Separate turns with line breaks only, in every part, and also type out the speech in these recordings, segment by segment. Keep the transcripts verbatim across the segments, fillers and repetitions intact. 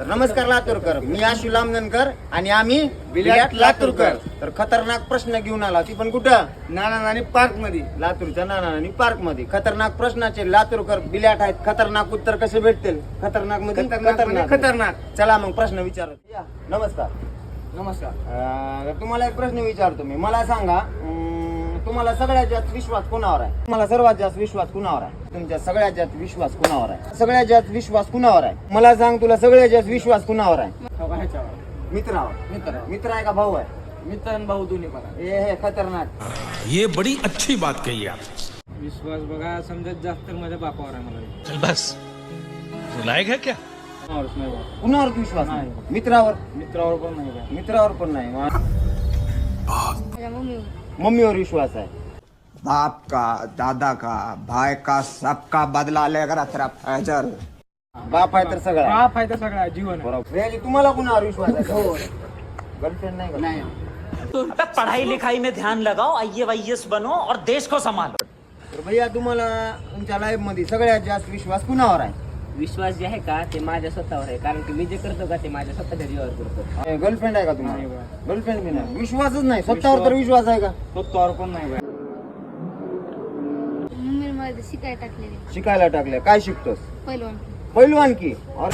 तर नमस्कार लातूरकर, मी आशु लामनकर आणि आम्ही बिल्याट लातूरकर. तर खतरनाक प्रश्न घेऊन आला, ती पण कुठं?
नाना नानी पार्क मध्ये,
लातूरच्या नानानी पार्क मध्ये. खतरनाक प्रश्नाचे लातूरकर बिल्याट आहेत. खतरनाक उत्तर कसे भेटतील? खतरनाक मध्ये
खतरनाक खतरनाक.
चला मग प्रश्न विचारत या. नमस्कार.
नमस्कार.
अं, तुम्हाला एक प्रश्न विचारतो मी. मला सांगा, अं, तुम्हाला सगळ्यात जास्त विश्वास कुणावर आहे? तुम्हाला सर्वात जास्त विश्वास कुणावर आहे? तुमच्या सगळ्यात जास्त विश्वास कुणावर आहे? सगळ्यात जास्त विश्वास कुणावर आहे? मला सांग, तुला सगळ्यात जास्त विश्वास कुणावर आहे? मित्रावर.
मित्र
मित्र आहे का भाऊ आहे?
मित्र आणि भाऊ दोन्ही पण आहे.
ए हे खतरनाक.
ये बड़ी अच्छी बात कही आप.
विश्वास बघा, समजत जास्त तर माझ्या बापावर आहे. मला
चल बस, लायक है क्या?
कोणावरच नाही बा.
कुणावर विश्वास नाही? मित्रावर.
मित्रावर पण नाही बा.
मित्रावर पण नाही.
माझ्या मम्मीवर.
मम्मीवर विश्वास आहे.
बाप का, दादा का, भाई का, सबका बदला लेकर तेरा फैजल.
बाप आहे तर सगळं आहे.
हा फायदा सगळा जीवन आहे.
बरोबर. Really, तुम्हाला कुणावर विश्वास आहे? गर्लफ्रेंड नाही का?
नाही.
अबे पढ़ाई लिखाई में ध्यान लगाओ, आई ए वाई एस बनो और देश को संभालो.
तर भैया, तुम्हाला तुमच्या लाईफ मध्ये सगळ्यात जास्त विश्वास कुणावर आहे?
विश्वास जे आहे का ते माझ्या स्वतःवर आहे, कारण की मी जे करतो का ते माझ्या स्वतःच्या जीवावर करतो.
गर्लफ्रेंड आहे का
नाही
तुम्हाला?
बा.
गर्लफ्रेंड बी नाही. विश्वासच नाही. स्वतःवर तर विश्वास आहे का?
स्वतःवर पण नाही बा.
मम्मीने मला ते शिकायला टाकलेले.
शिकायला टाकले. काय शिकतोस?
पहिलवान.
पैलवान की? और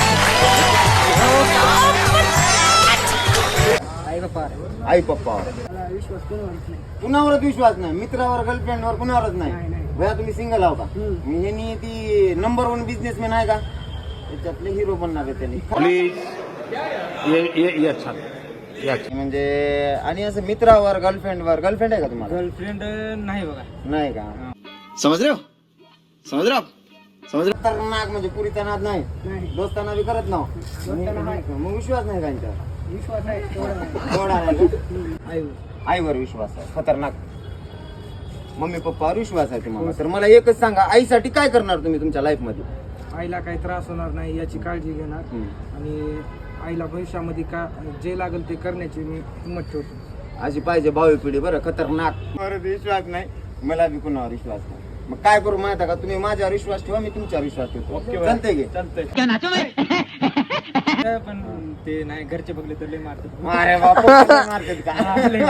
आई बापा
आई पप्पावर.
मला विश्वास कोणावरच नाही.
कुणावरच विश्वास नाही? मित्रावर, गर्लफ्रेंडवर कुणावरच नाही? भैया, तुम्ही सिंगल आहो का? मी यांनी ती नंबर वन बिझनेसमॅन आहे का? त्याच्यातले हिरो बनणार आहे त्यांनी.
प्लीज, ये ये ये अच्छा ये अच्छा.
म्हणजे आणि असं मित्रावर, गर्लफ्रेंडवर. गर्लफ्रेंड आहे का तुम्हाला?
गर्लफ्रेंड नाही बघा.
नाही का?
समझ रहे हो? समझ रहे हो आप? समझ रहे
खतरनाक म्हणजे पुरीचा नाद नाही. दोस्ताना बी करत नाव. मग विश्वास नाही त्यांच्यावर.
विश्वास आहे तेवढा नाही.
एवढा नाही का? आईवर विश्वास आहे. खतरनाक. मम्मी पप्पावर विश्वास आहे तुम्हाला. तर मला एकच सांगा, आईसाठी काय करणार तुम्ही तुमच्या लाईफ मध्ये?
आईला काही त्रास होणार नाही याची काळजी घेणार आणि आईला भविष्यामध्ये का जे लागेल ते करण्याची मी हिंमत ठेवतो.
अशी पाहिजे भावी पिढी. बरं, खतरनाक. परत विश्वास नाही. मला बी कुणावर विश्वास नाही. मग काय करू माहिती का? तुम्ही माझ्यावर विश्वास ठेवा, मी तुमच्यावर विश्वास ठेवतो. चालतंय की?
चालतंय. पण ते नाही, घरचे बघले तर लय मारतात.
अरे बापा, मार्केट का?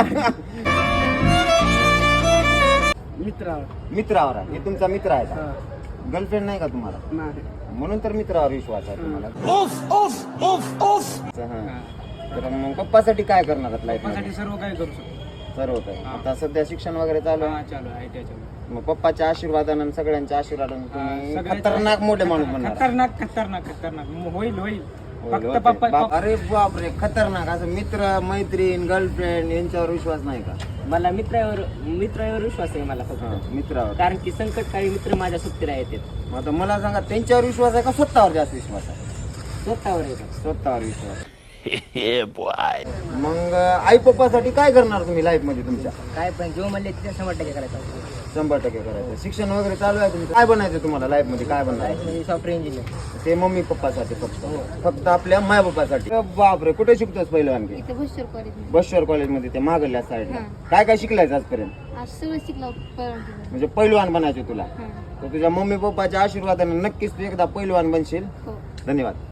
मित्रावर.
मित्रावर आहे. हे तुमचा मित्र आहे का?
हा.
गर्लफ्रेंड नाही का तुम्हाला?
नाही.
म्हणून तर मित्रावर विश्वास आहे तुम्हाला.
उफ उफ उफ उफ.
हा. तर मग पप्पासाठी काय करणार लाईफ मध्ये?
माझ्यासाठी सर्व काही करू शकतो.
सर्व काही.
हा.
आता सध्या शिक्षण वगैरे चालू आहे.
हा चालू आहे, आय टी आय चालू आहे.
मग पप्पाच्या आशीर्वादानं आणि सगळ्यांच्या आशीर्वादानं तुम्ही
सगळ्याच्या-
खतरनाक मोठे माणूस बनणार.
खतरनाक खतरनाक खतरनाक म- होईल होईल
होईल,
फक्त
होते.
पप्पा
बाप- अरे बापरे, खतरनाक. असं मित्र, मैत्रीण, गर्लफ्रेंड यांच्यावर विश्वास नाही का?
मला मित्रावर मित्रावर विश्वास आहे मला फक्त,
मित्रावर.
कारण की संकटकाळी मित्र माझ्या सुट्टीला येतात.
मग आता मला सांगा, त्यांच्यावर विश्वास आहे का स्वतःवर जास्त विश्वास आहे?
स्वतःवर येतात.
स्वतःवर विश्वास. मग आई पप्पासाठी काय करणार तुम्ही लाईफ मध्ये तुमच्या?
काय पण जो म्हणले तिथे शंभर टक्के करायचं.
शंभर टक्के करायचं. शिक्षण वगैरे चालू आहे तुमचं? काय बनायचं तुम्हाला लाईफ मध्ये? काय बनायचं?
म्हणजे सॉफ्टवेअर इंजिनियर.
ते मम्मी पप्पासाठी फक्त फक्त आपल्या माय बापासाठी. बापरे, कुठे शिकतोस पहिलं आणखी?
इथे बसवर कॉलेज.
बश्वर कॉलेजमध्ये, ते मागल्या साईडला.
हा.
काय काय शिकलायचं आजपर्यंत?
आज सगळं शिकलो पहिलवान.
म्हणजे पैलवान बनायचे तुला?
हा.
तर तुझ्या मम्मी पप्पाच्या आशीर्वादाने नक्कीच तू एकदा पैलवान बनशील.
हो.
धन्यवाद.